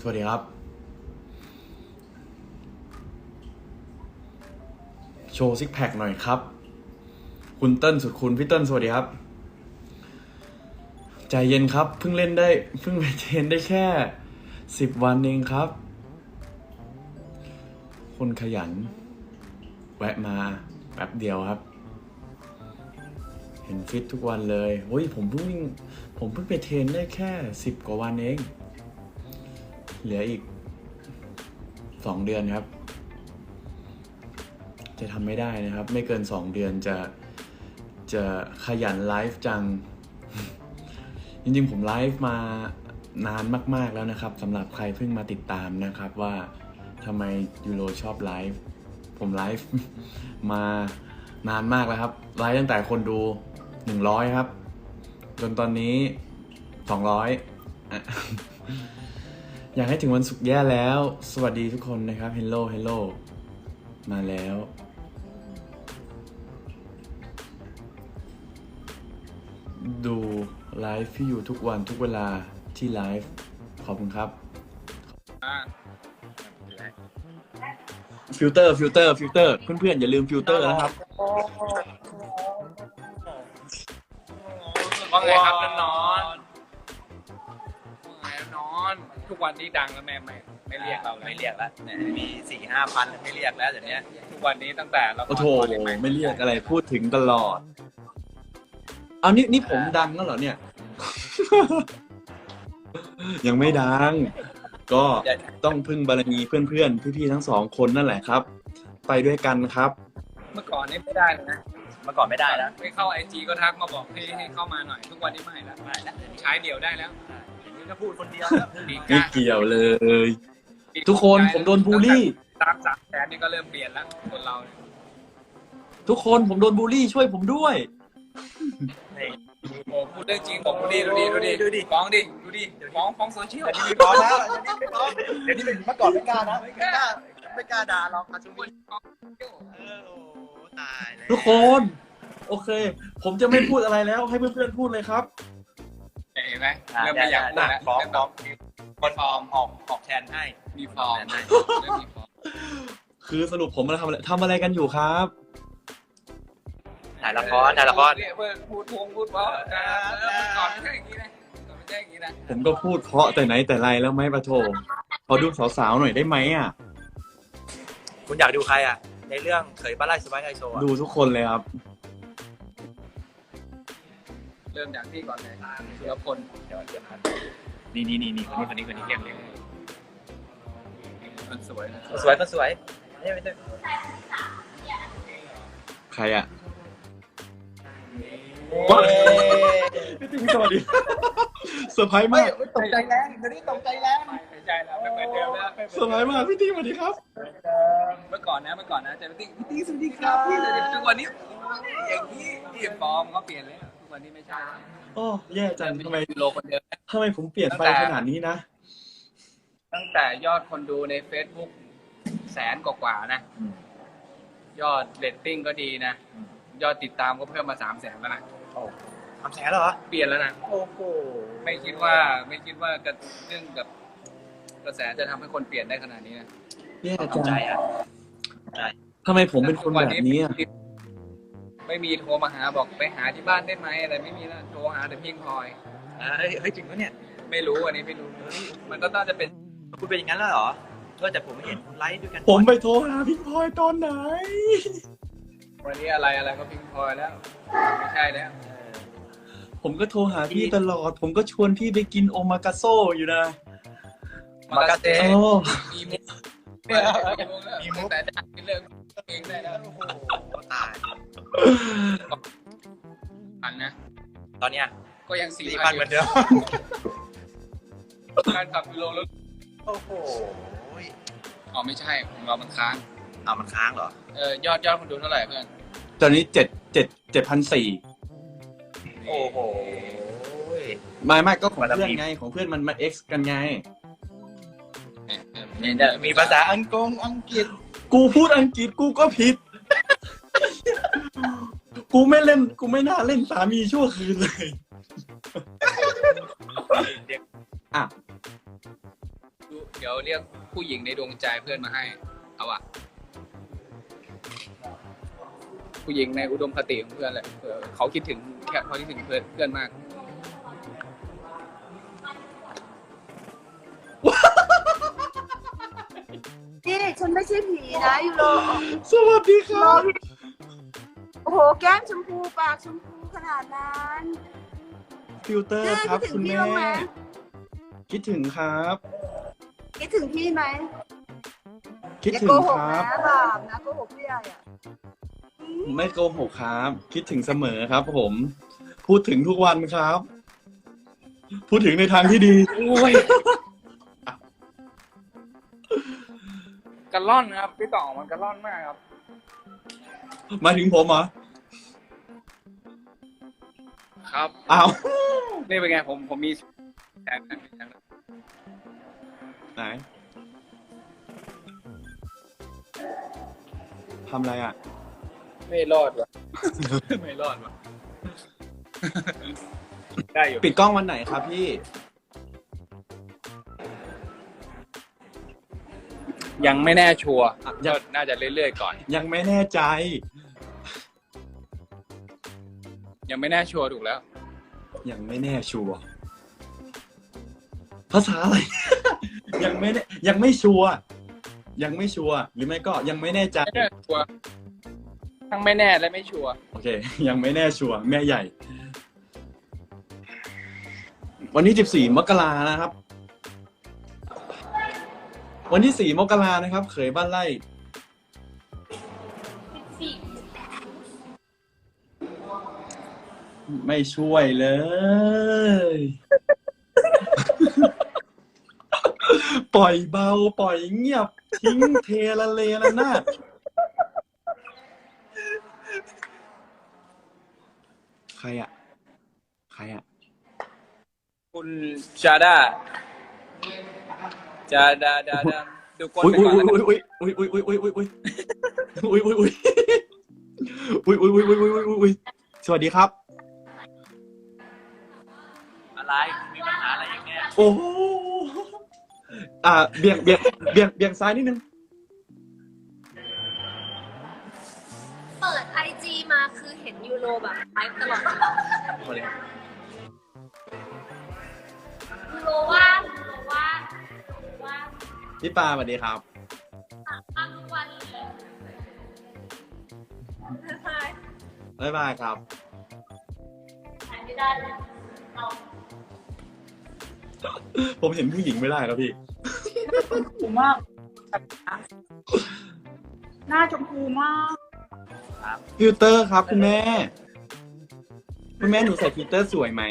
สวัสดีครับโชว์ซิกแพคหน่อยครับคุณเติ้ลสุดคุณพี่เติ้ลสวัสดีครับใจเย็นครับเพิ่งไปเทรนได้แค่10 วันเองครับคนขยันแวะมาแป๊บเดียวครับเห็นฟิตทุกวันเลยเฮ้ยผมเพิ่งไปเทรนได้แค่10 กว่าวันเองเหลืออีก2 เดือนครับจะทำไม่ได้นะครับไม่เกิน2 เดือนจะขยันไลฟ์จัง จริงๆผมไลฟ์มานานมากๆแล้วนะครับสำหรับใครเพิ่งมาติดตามนะครับว่าทำไมยูโรชอบไลฟ์ผมไลฟ์ มานานมากแล้วครับไลฟ์ตั้งแต่คนดู100ครับจนตอนนี้200 อยากให้ถึงวันศุกร์แย่แล้วสวัสดีทุกคนนะครับเฮลโลมาแล้วดูไลฟ์พี่อยู่ทุกวันทุกเวลาที่ไลฟ์ขอบคุณครับฟิลเตอร์เพื่อนๆอย่าลืมฟิลเตอร์นะครับว่าไงครับนอนทุกวันนี้ดังแล้วแม่ไม่เรียกเราแล้วไม่เรียกแล้วเนี่ยมี4-5 พันไม่เรียกแล้วเดี๋ยวนี้ทุกวันนี้ตั้งแต่เราโอ้โหไม่เรียกอะไรพูดถึงตลอดเอานี่ผมดังแล้วเหรอเนี่ย ยังไม่ดังก็ต้องพึ่งบารมีเพื่อนๆพี่ๆทั้ง2 คนนั่นแหละครับไปด้วยกันครับเมื่อก่อนนี่ไม่ได้เลยนะเมื่อก่อนไม่ได้แล้วไม่เข้าIG ก็ทักมาบอกให้เข้ามาหน่อยทุกวันนี้ไม่แล้วไม่แล้วใช้เดี่ยวได้แล้วเดี๋ยวนี้ก็พูดคนเดียวแล้วไม่เกี่ยวเลย ทุกคนผมโดนบูลลี่ตาม300,000นี่ก็เริ่มเปลี่ยนแล้วคนเราเนี่ยทุกคนผมโดนบูลลี่ช่วยผมด้วยนี่โอ้พูดเรื่องจริงผมดูดิฟ้องดิดูดิฟ้องโซเชียลเดี๋ยวนี้ไม่ฟ้องแล้วเดี๋ยวนี้เมื่อก่อนไม่กล้านะไม่กล้าด่าเราอาชุมิโอ้ตายเลยทุกคนโอเค ผมจะไม่พูดอะไรแล้วให้เพื่อนๆพูดเลยครับเห็นไหมเริ่มไม่อยากพูดแล้วฟ้องเริ่มแบบคนฟอร์มออกแทนให้มีฟอร์มเริ่มมีฟอร์มคือสรุปผมมาทำอะไรกันอยู่ครับถ่ายละครเพื่อนพูดเพราะก่อนไม่ใช่อย่างนี้นะก่อนไม่ใช่อย่างนี้นะผมก็พูดเพราะแต่ไหนแต่ไรแล้วไหมปะโถขอดูสาวๆหน่อยได้ไหมอ่ะคุณอยากดูใครอ่ะในเรื่องเขยป้าไร่สบายไฮโซดูทุกคนเลยครับเริ่มจากที่ก่อนเลยสุรพลเดี๋ยวนี่คนนี้เก่งเลยคนสวยนะสวยก็สวยไม่ใช่ใครอ่ะว้าวพี่ติ๊กสวัสดี เซอร์ไพรส์มากตกใจแรงเดี๋ยวนี้ตกใจแรงไม่ใช่แล้วไม่เหมือนเดิมแล้วเซอร์ไพรส์มากพี่ติ๊กสวัสดีครับเมื่อก่อนนะจะพี่ติ๊กสวัสดีครับพี่แต่ทุกวันนี้อย่างนี้ที่ฟอร์มเขาเปลี่ยนแล้วทุกวันนี้ไม่ใช่แล้วโอ้แย่จังทำไมโลคนเดิมผมเปลี่ยนไปขนาดนี้นะตั้งแต่ยอดคนดูใน Facebook 100,000 กว่านะยอดเรตติ้งก็ดีนะยอดติดตามก็เพิ่มมา300,000แล้วนะโอ้ทำแสนเหรอเปลี่ยนแล้วนะโอ้โหไม่คิดว่าเรื่องกับกระแสจะทำให้คนเปลี่ยนได้ขนาดนี้นะแย่จัเข้าง ใจอ่ะทำไมผมเป็นคนแบบนี้อะไม่มีโทรมาหาบอกไปหาที่บ้านได้ไหมอะไรไม่มีแล้วโทรหาแต่พิงพลอยเฮ้ยจริงปะเนี่ยไม่รู้อันนี้ไม่รู้มันก็น่าจะเป็นคุณเป็นอย่างนั้นแล้วเหรอแต่ผมไม่เห็นคุณไลฟ์ด้วยกันผมไปโทรหาพี่พลอยตอนไหนวันนี้อะไรก็พิงพลอยแล้ว ไม่ใช่แล้วผมก็โทรหาพี่ตลอด ผมก็ชวนพี่ไปกินโอมากาโซอยู่นะมากาเซ่โอ้มีมุกมีมุกแต่จะเลิกเองได้แล้วโอ้โหตายอันนะตอนเนี้ยก็ยัง 4,000เหมือนเดิมการขับกิโลแล้วโอ้โหอ๋อไม่ใช่ของเรามันค้างเอามันค้างเหรอยอดคนดูเท่าไหร่เพื่อนตอนนี้7,400 โอ้โหไม่ก็ของเพื่อนไงของเพื่อนมันมา X กันไงมีภาษาอังกฤษกูพูดอังกฤษกูก็ผิด กูไม่น่าเล่นสามีชั่วคืนเลยอ่ะยวเรียกผู้หญิงในดวงใจเพื่อนมาให้ เอาอะผู้หญิงในอุดมคติของเพื่อนแหละเขาคิดถึงเขาคิดถึงเพื่อนมากนี่ฉันไม่ใช่ผีนะยูโรสวัสดีครับโอ้โหแก้มชมพูปากชมพูขนาดนั้นฟิลเตอร์ครับคิดถึคุงณพี่แม่บ้างไหมคิดถึงครับคิดถึงพี่ไหมคิดอย่าถึโกงหกครับนะบาปนะโกหกพี่ใหญ่อะไม่โกหกครับ คิดถึงเสมอครับผม พูดถึงทุกวันครับ พูดถึงในทางที่ดีโอ้ยกระล่อนครับพี่ต่อมันกระล่อนมากครับมาถึงผมเหรอครับอ้าวนี่เป็นไงผมมีแทนไหนทำอะไรอ่ะไม่รอดวะ ไม่รอดวะได้อยู่ปิดกล้องวันไหนครับพี่ยังไม่แน่ชัวร์อ่ะก็น่าจะเรื่อยๆก่อนยังไม่แน่ใจยังไม่แน่ชัวร์ถูกแล้วยังไม่แน่ชัวร์ภาษาอะไร ยังไม่แน่ยังไม่ชัวร์ยังไม่ชัวร์หรือไม่ก็ยังไม่แน่ใจไม่แน่ชัวร์ทั้งไม่แน่และไม่ชัวร์โอเค ยังไม่แน่ชัวร์แม่ใหญ่ วันที่14 มกรานะครับ วันที่4 มกรานะครับ เขยบ้านไร่ไม่ช่วยเลย ปล่อยเบา ปล่อยเงียบ ทิ้งเทละเลละนาดใครอะใครอะคุณจาด้าจาดาดาดาดูก้นอุ้ยไปก่อนแล้วกันอุ้ยอุ้ยอุ้ยอุ้ยอุ้ยอุ้ยอุ้ยอุ้ยอุ้ยอุ้ยอุ้ยอุ้ยอุ้ยอุ้ยอุ้ยสวัสดีครับอะไรมีปัญหาอะไรอย่างเงี้ยโอ้โหเบี่ยงซ้ายนิดนึงเปิดไอจีมาคือเห็นยูโรแบบไลฟ์ตลอดยูโรว่างยูโรว่างว่างพี่ปาสวัสดีครับว่างทุกวันเลยบ๊ายบายครับถ่ายไม่ได้เลยเราผมเห็นผู้หญิงไม่ได้ครับพี่ชมพูมากหน้าชมพูมากฟิลเตอร์ครับคุณแม่ คุณแม่หนูใส่ฟิลเตอร์สวยไหม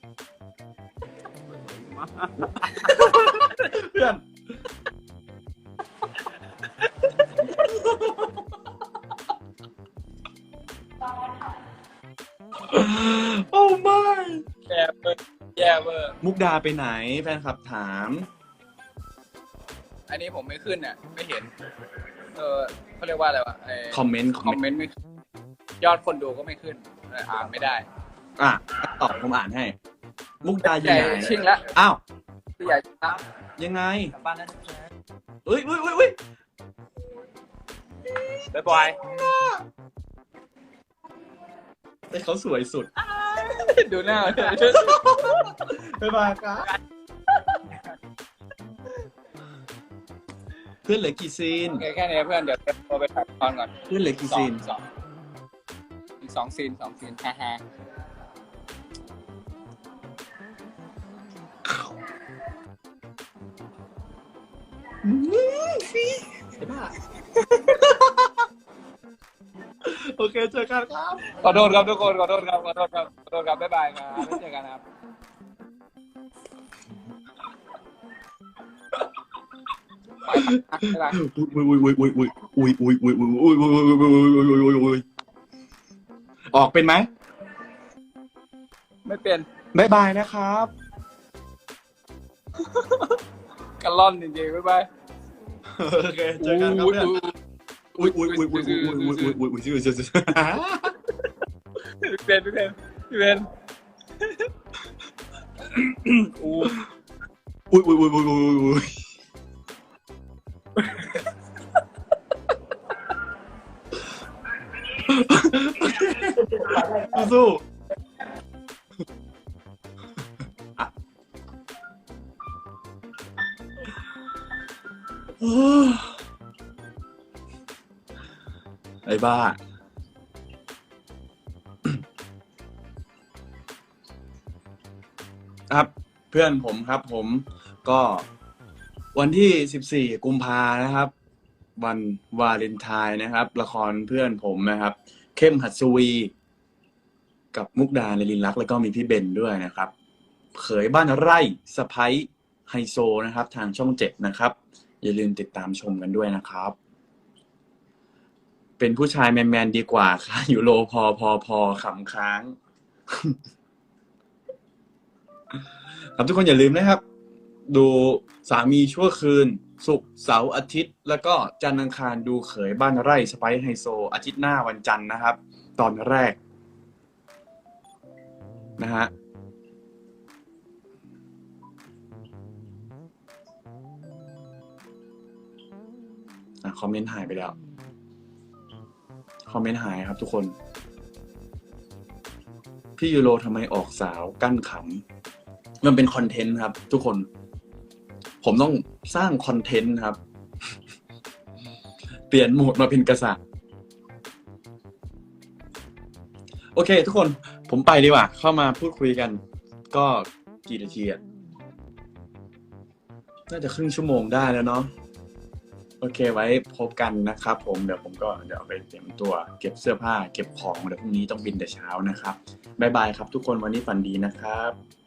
เพื่อน โอ้ไม่แย่เบอร์แย่เบอร์มุกดาไปไหนแฟนคลับถามอันนี้ผมไม่ขึ้นเนี่ยไม่เห็นเขาเรียกว่าอะไรวะคอมเมนต์คอมเมนต์ไม่ขึ้นยอดคนดูก็ไม่ขึ้นอ่านไม่ได้อ่ะตอบผมอ่านให้ มุกดาอยู่ใหญ่ไหนชิงละอ้าวพี่ใหญ่ชิงละยังไงกลับบ้านแล้วนะเอ้ยเอ้ยเอ้ยเอ้ยบ๊ายบายแต่เขาสวยสุดดูหน้าบ๊ายบายครับเพื่อนเหลือกี่ซีนโอเคแค่นี้เพื่อนเดี๋ยวโทรไปถ่ายตอนก่อนเพื่อนเหลือกี่ซีนอีกสองซีนฮ่าฮ่าโอเคเจอกันครับขอโทษครับทุกคนขอโทษครับบ๊ายบายครับไม่เจอกันครับไปบ๊ายบายอุ้ยออกเป็นไหมไม่เป็นบ๊ายบายนะครับกระล่อนจริงๆบ๊ายบายโอเคเจอกันครับเพื่อนอุ้ยพี่เป็นอุ้ยสู้ไอ้บ้าครับเพื่อนผมครับผมก็วันที่14กุมภานะครับ วันวาเลนไทน์นะครับละครเพื่อนผมนะครับเข้มหัสวีกับมุกดาในลินลักษณ์แล้วก็มีพี่เบนด้วยนะครับเขยบ้านไร่สะพ้ยไฮโซนะครับทางช่อง7นะครับอย่าลืมติดตามชมกันด้วยนะครับเป็นผู้ชายแมนๆดีกว่าค่ะยูโรพอขำค้างครับทุกคนอย่าลืมนะครับดูสามีชั่วคืนศุกร์เสาร์อาทิตย์แล้วก็จันทร์อังคารดูเขยบ้านไร่สไปซ์ไฮโซอาทิตย์หน้าวันจันทร์นะครับตอนแรกนะฮะคอมเมนต์หายไปแล้วคอมเมนต์หายครับทุกคนพี่ยูโรทำไมออกสาวกั้นขำมันเป็นคอนเทนต์ครับทุกคนผมต้องสร้างคอนเทนต์ครับเปลี่ยนโหมดมาเป็นกษัตริย์โอเคทุกคนผมไปดีกว่าเข้ามาพูดคุยกันก็กี่นาทีอ่ะน่าจะครึ่งชั่วโมงได้แล้วเนาะโอเคไว้พบกันนะครับผมเดี๋ยวไปเตรียมตัวเก็บเสื้อผ้าเก็บของเดี๋ยวพรุ่งนี้ต้องบินแต่เช้านะครับบ๊ายบายครับทุกคนวันนี้ฝันดีนะครับ